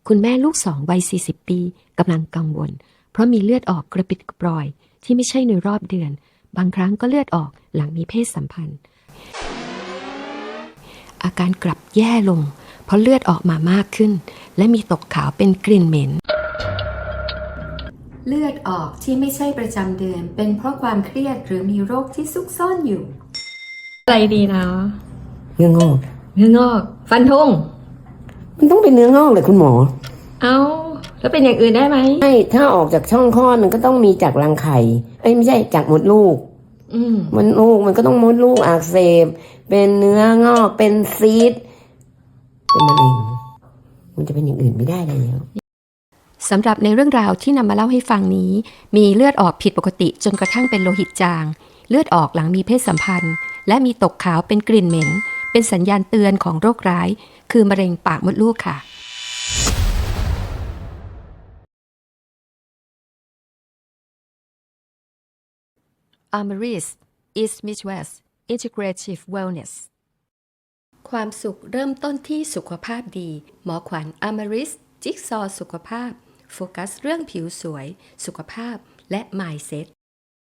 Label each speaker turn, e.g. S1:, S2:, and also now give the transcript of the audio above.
S1: คุณแม่ลูกสองวัย40 ปีกำลังกังวลเพราะมีเลือดออกกระปิดกระปรอยที่ไม่ใช่ในรอบเดือนบางครั้งก็เลือดออกหลังมีเพศสัมพันธ์อาการกลับแย่ลงเพราะเลือดออกมามากขึ้นและมีตกขาวเป็นกลิ่นเหม็นเลือดออกที่ไม่ใช่ประจำเดือนเป็นเพราะความเครียดหรือมีโรคที่ซุกซ่อนอยู่
S2: อะไรดีนะ
S3: เนื้องอก
S2: เนื้องอกฟันธง
S3: มันต้องเป็นเนื้องอกเลยคุณหมอ
S2: เอาแล้วเป็นอย่างอื่นได้ไหม
S3: ไม่ถ้าออกจากช่องคลอดมันก็ต้องมีจากรังไข่ไม่ใช่จากมดลูกมดลูกมันก็ต้องมดลูกอักเสบเป็นเนื้องอกเป็นซีสเป็นมะเร็งมันจะเป็นอย่างอื่นไม่ได้แล้ว
S1: สำหรับในเรื่องราวที่นำมาเล่าให้ฟังนี้มีเลือดออกผิดปกติจนกระทั่งเป็นโลหิตจางเลือดออกหลังมีเพศสัมพันธ์และมีตกขาวเป็นกลิ่นเหม็นเป็นสัญญาณเตือนของโรคร้ายคือมะเร็งปากมดลูกค่ะAmaris East Midwest Integrative Wellness ความสุขเริ่มต้นที่สุขภาพดีหมอขวัญ Amaris จิ๊กซอว์สุขภาพโฟกัสเรื่องผิวสวยสุขภาพและ Mindset